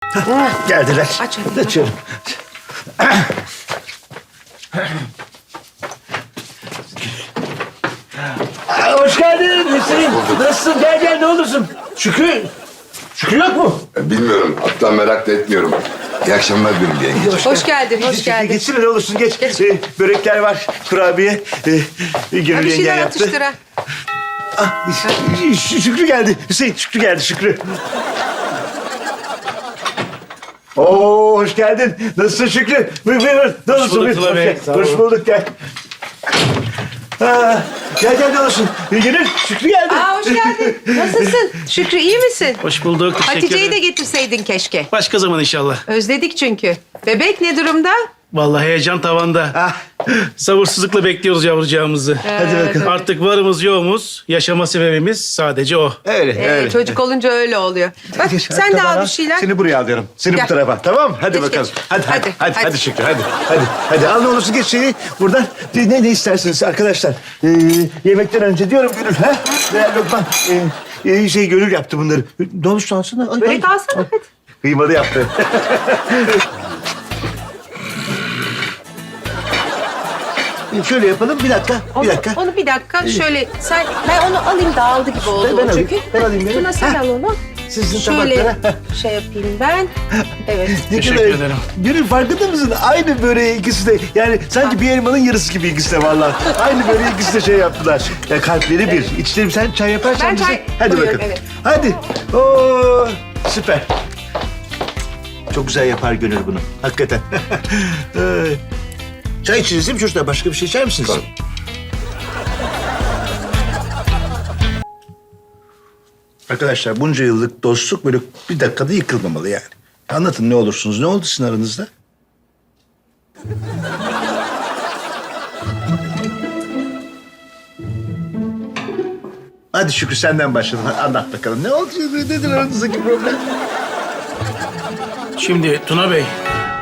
Geldiler. Aç hadi. Açıyorum. Hoş geldin Hüseyin. Nasılsın? Gel gel ne olursun. Şükrü. Şükrü yok mu? Bilmiyorum. Hatta merak da etmiyorum. İyi akşamlar diyorum yenge. Hoş geldin, hoş geldin. Geçsene ne olursun geç. Börekler var, kurabiye. Gönül Ha, bir yengen şeyler yaptı. atıştır ha. Şükrü geldi. Hüseyin Şükrü geldi Şükrü. Oo hoş geldin. Nasılsın Şükrü? Buyur. Ne olursun? bulduk Tuna Bey, sağ olun. Hoş bulduk gel. Gel ne olursun. Gönül Şükrü geldi. Aa, hoş geldin. Nasılsın? Şükrü iyi misin? Hoş bulduk. Teşekkür Hatice'yi de ederim. getirseydin keşke. Başka zaman inşallah. Özledik çünkü. Bebek ne durumda? Vallahi heyecan tavanda. Ah, Sabırsızlıkla bekliyoruz yavrucağımızı. hadi bakalım. Artık varımız yoğumuz, yaşama sebebimiz sadece o. Öyle. Çocuk olunca öyle oluyor. Bak Geç, sen de tamam. al bir şeyler. Seni buraya alıyorum. Seni Gel. bu tarafa. Tamam mı? Hadi Geç, bakalım. geç. Hadi Hadi. Şükrü hadi. Hadi al ne olursun geç şeyi buradan. Ne istersiniz arkadaşlar? Yemekten önce diyorum Gönül. Ha? Veya Lokman. Gönül yaptı bunları. Ne olursa alsana. Ay, Börek alsana hadi. Kıymalı yaptı. Şöyle yapalım bir dakika. Onu bir dakika şöyle sen ben onu alayım dağıldı gibi oldu Ben alayım, çünkü. ben alayım, Tuna sen Ha. al onu. Sizin Şöyle tabaklara. şey yapayım ben. Evet. Teşekkür ederim. Gönül farkında mısın? Aynı böreği ikisi de. Yani sanki bir elmanın yarısı gibi ikisi de vallahi. Aynı böreği ikisi de şey yaptılar. Ya kalpleri bir. İçlerim sen çay yaparsan Ben bize. çay Hadi koyuyorum, bakalım. evet. Hadi. Oo, süper. Çok güzel yapar Gönül bunu. Hakikaten. Çay içiniz değil mi çocuklar? Başka bir şey içer misiniz? Tamam. Arkadaşlar bunca yıllık dostluk böyle bir dakikada yıkılmamalı yani. Anlatın ne olursunuz. Ne oldu sizin aranızda? Hadi Şükrü senden başlayalım. Anlat bakalım. Ne oldu? Nedir aranızdaki problem? Şimdi Tuna Bey,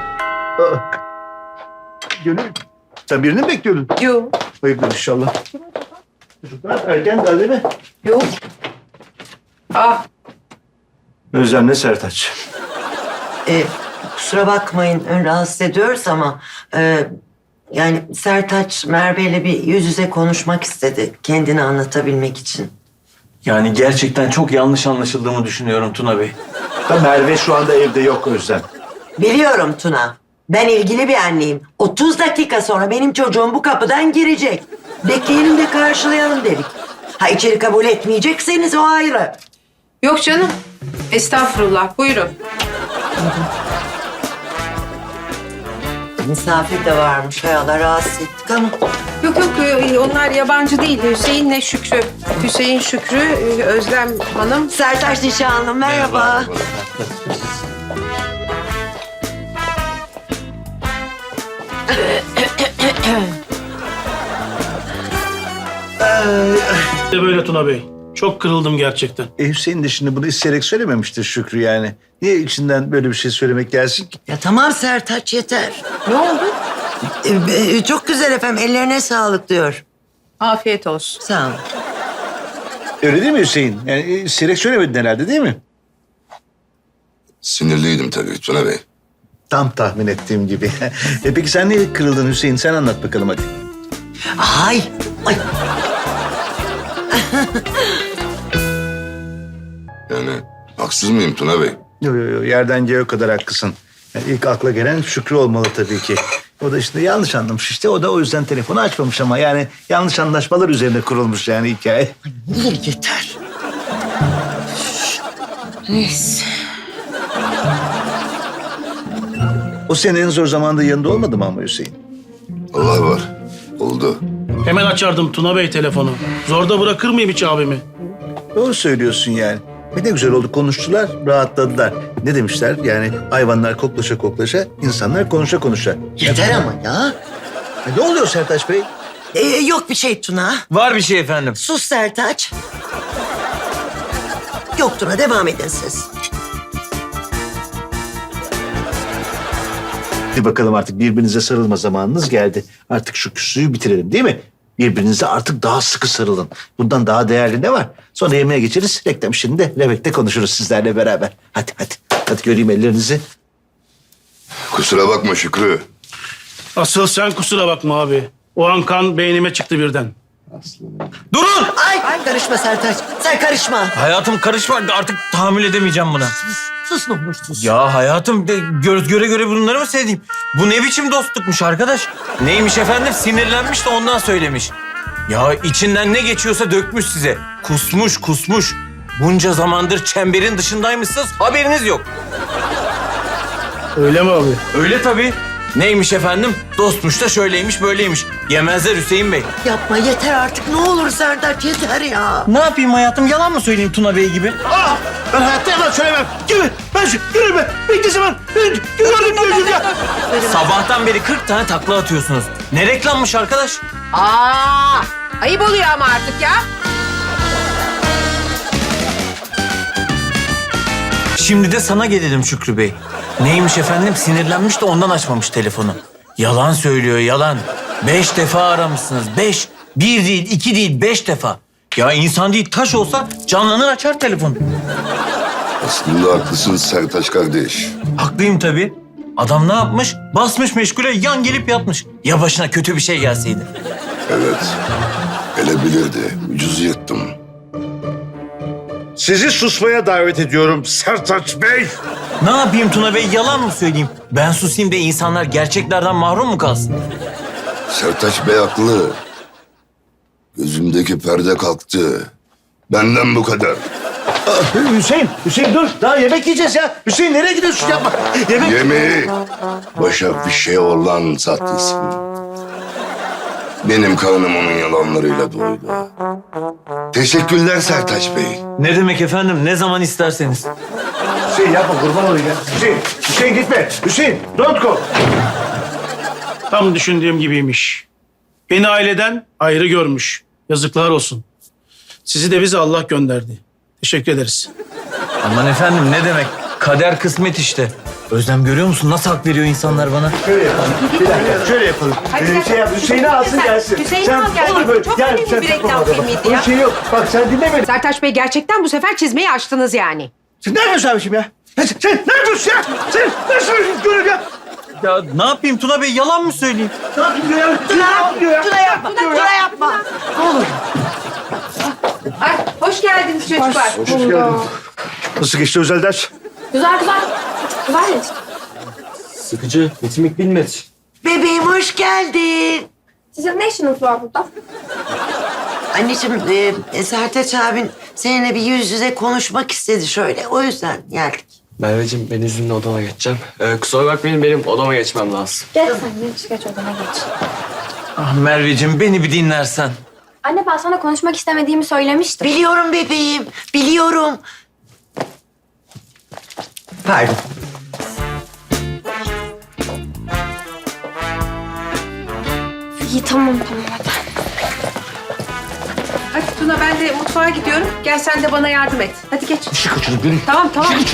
Gönül. Sen birini mi bekliyordun? Yok. Hayırdır inşallah. Çocuklar erken daha değil mi? Yok. Ah. Özlem'le Sertaç. Kusura bakmayın rahatsız ediyoruz ama yani Sertaç Merve ile bir yüz yüze konuşmak istedi kendini anlatabilmek için. Yani gerçekten çok yanlış anlaşıldığımı düşünüyorum Tuna Bey. Merve şu anda evde yok Özlem. Biliyorum Tuna. Ben ilgili bir anneyim. 30 dakika sonra benim çocuğum bu kapıdan girecek. Bekleyelim de karşılayalım dedik. Ha içeri kabul etmeyecekseniz o ayrı. Yok canım. Estağfurullah. Buyurun. Misafir de varmış. Hay Allah rahatsız ettik ama. Yok onlar yabancı değil. Hüseyin'le Şükrü. Hüseyin Şükrü, Özlem Hanım. Sertaç nişanlım merhaba. de böyle Tuna Bey. Çok kırıldım gerçekten. Hüseyin de şimdi bunu isteyerek söylememiştir Şükrü yani. Niye içinden böyle bir şey söylemek gelsin ki? Ya tamam Sertaç yeter. Ne oldu? Çok güzel efendim ellerine sağlık diyor. Afiyet olsun. Sağ olun. Öyle değil mi Hüseyin? Yani isteyerek söylemedin herhalde değil mi? Sinirliydim tabii Tuna Bey. Tam tahmin ettiğim gibi. Peki sen niye kırıldın Hüseyin? Sen anlat bakalım hadi. Ay. Yani haksız mıyım Tuna Bey? Yo, yerden göğe kadar haklısın. Yani ilk akla gelen Şükrü olmalı tabii ki. O da işte yanlış anlamış işte. O da o yüzden telefonu açmamış ama yani yanlış anlaşmalar üzerine kurulmuş yani hikaye. Yeter. Neyse. O senin en zor zamanda yanında olmadı mı ama Hüseyin? Allah var. Oldu. Hemen açardım Tuna Bey telefonu. Zorda bırakır mıyım hiç abimi? Doğru söylüyorsun yani. Ne güzel oldu konuştular, rahatladılar. Ne demişler? Yani hayvanlar koklaşa koklaşa, insanlar konuşa konuşa. Yeter ama ya. Ne oluyor Sertaç Bey? Yok bir şey Tuna. Var bir şey efendim. Sus Sertaç. Yok Tuna devam edin siz. Hadi bakalım artık birbirinize sarılma zamanınız geldi. Artık şu küslüğü bitirelim değil mi? Birbirinize artık daha sıkı sarılın. Bundan daha değerli ne var? Sonra yemeğe geçeriz. Reklam işini de Levek'te konuşuruz sizlerle beraber. Hadi. Hadi göreyim ellerinizi. Kusura bakma Şükrü. Asıl sen kusura bakma abi. O an kan beynime çıktı birden. Durun! Ay karışma Sertaç. Sen karışma. Hayatım karışma. Artık tahammül edemeyeceğim buna. Sus ne olur sus. Ya hayatım göre göre bunları mı sevdiğim? Bu ne biçim dostlukmuş arkadaş? Neymiş efendim? Sinirlenmiş de ondan söylemiş. Ya içinden ne geçiyorsa dökmüş size. Kusmuş. Bunca zamandır çemberin dışındaymışsınız, haberiniz yok. Öyle mi abi? Öyle tabii. Neymiş efendim? Dostmuş da şöyleymiş böyleymiş. Yemezler Hüseyin Bey. Yapma yeter artık ne olur Sertaç yeter ya. Ne yapayım hayatım? Yalan mı söyleyeyim Tuna Bey gibi? Ben hayatta yalan söylemem. Gibi. Yürü be. Bekle zaman. Gördüm gözüm ya. Sabahtan beri 40 tane takla atıyorsunuz. Ne reklammış arkadaş? Ayıp oluyor ama artık ya. Şimdi de sana gelelim Şükrü Bey. Neymiş efendim? Sinirlenmiş de ondan açmamış telefonu. Yalan söylüyor, yalan. 5 defa aramışsınız, 5. 1 değil, 2 değil, 5 defa. Ya insan değil, taş olsa canlanır açar telefonu. Aslında haklısın Sertaç kardeş. Haklıyım tabii. Adam ne yapmış? Basmış meşgule, yan gelip yatmış. Ya başına kötü bir şey gelseydi? Evet. Gelebilirdi. Ucuz yırttım. Sizi susmaya davet ediyorum Sertaç Bey. Ne yapayım Tuna Bey, yalan mı söyleyeyim? Ben susayım da insanlar gerçeklerden mahrum mu kalsın? Sertaç Bey haklı. Gözümdeki perde kalktı. Benden bu kadar. Hüseyin dur. Daha yemek yiyeceğiz ya. Hüseyin nereye gidiyorsun? Yapma. Yemek. Yemeği başa bir şey olan sahte isim. Benim karnım onun yalanlarıyla doydu. Teşekkürler Sertaç Bey. Ne demek efendim? Ne zaman isterseniz. Hüseyin yapma kurban olayım ya. Hüseyin gitme. Hüseyin don't go. Tam düşündüğüm gibiymiş. Beni aileden ayrı görmüş. Yazıklar olsun. Sizi de bize Allah gönderdi. Teşekkür ederiz. Aman efendim ne demek? Kader kısmet işte. Özlem görüyor musun? Nasıl hak veriyor insanlar bana? Şöyle yapalım. Bir dakika şöyle yapalım. Hadi sen- Yap, Hüseyin'i alsın Sen- gelsin. Hüseyin'i al gel. olur böyle. Çok Gel, önemli sen bir reklam tutma adamı. filmiydi Onun ya. şeyi yok. Bak sen dinle beni. Sertaç Bey gerçekten bu sefer çizmeyi açtınız yani. Sen ne yapıyorsun abiciğim ya? Sen ne yapıyorsun ya? Sen nasıl görür ya? Ya ne yapayım Tuna Bey? Yalan mı söyleyeyim? Ne yapıyorsun ya? Tuna yapma. Tuna yapma. Ne olur. Ay, hoş geldiniz çocuklar. Hoş geldin. Nasıl geçti özel ders? Güzel. Güzel. Sıkıcı, bitmek bilmez. Bebeğim hoş geldin. Sizin ne işiniz var burada? Anneciğim Sertaç abin seninle bir yüz yüze konuşmak istedi şöyle. O yüzden geldik. Merveciğim ben izninle odama geçeceğim. Kusura bakmayın benim odama geçmem lazım. Geç sen geç odana geç. Ah Merveciğim beni bir dinlersen. Anne ben sana konuşmak istemediğimi söylemiştim. Biliyorum bebeğim, biliyorum. Pardon. İyi tamam hadi. Hadi Tuna ben de mutfağa gidiyorum. Gel sen de bana yardım et. Hadi geç. Işık kaçırdık beni. Tamam.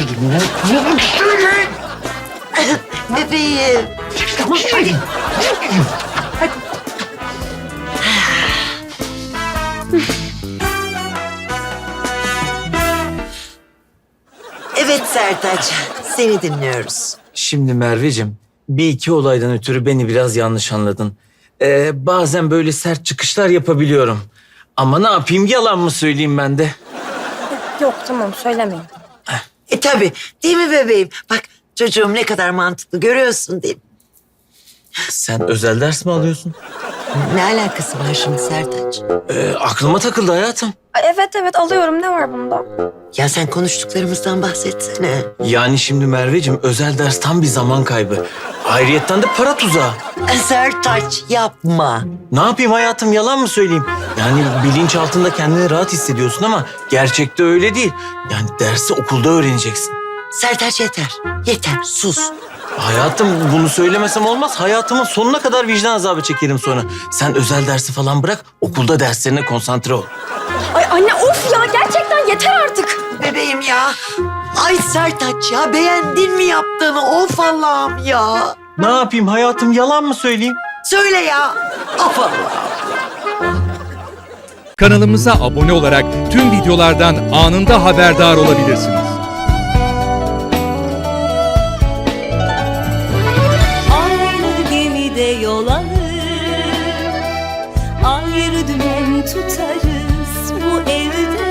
Bebeğim. Tamam hadi. Evet Sertaç, seni dinliyoruz. Şimdi Merveciğim, bir iki olaydan ötürü beni biraz yanlış anladın. Bazen böyle sert çıkışlar yapabiliyorum. Ama ne yapayım, yalan mı söyleyeyim ben de? Yok tamam söylemeyin. Tabii, değil mi bebeğim? Bak çocuğum ne kadar mantıklı görüyorsun değil mi? Sen özel ders mi alıyorsun? Ne alakası var şimdi Sertaç? Aklıma takıldı hayatım. Evet alıyorum ne var bunda? Ya sen konuştuklarımızdan bahsetsene. Yani şimdi Merveciğim, özel ders tam bir zaman kaybı. Ayrıyetten de para tuzağı. Sertaç yapma. Ne yapayım hayatım, yalan mı söyleyeyim? Yani bilinç altında kendini rahat hissediyorsun ama gerçekte öyle değil. Yani dersi okulda öğreneceksin. Sertaç yeter. Yeter sus. Hayatım bunu söylemesem olmaz. Hayatımın sonuna kadar vicdan azabı çekerim sonra. Sen özel dersi falan bırak, okulda derslerine konsantre ol. Ay anne of ya gerçekten yeter artık. Bebeğim ya. Ay Sertaç ya beğendin mi yaptığını? Of Allah'ım ya. Ne yapayım hayatım, yalan mı söyleyeyim? Söyle ya. Of Allah'ım. Kanalımıza abone olarak tüm videolardan anında haberdar olabilirsiniz. birlikte yol alır. Ayrı dümen tutarız bu evde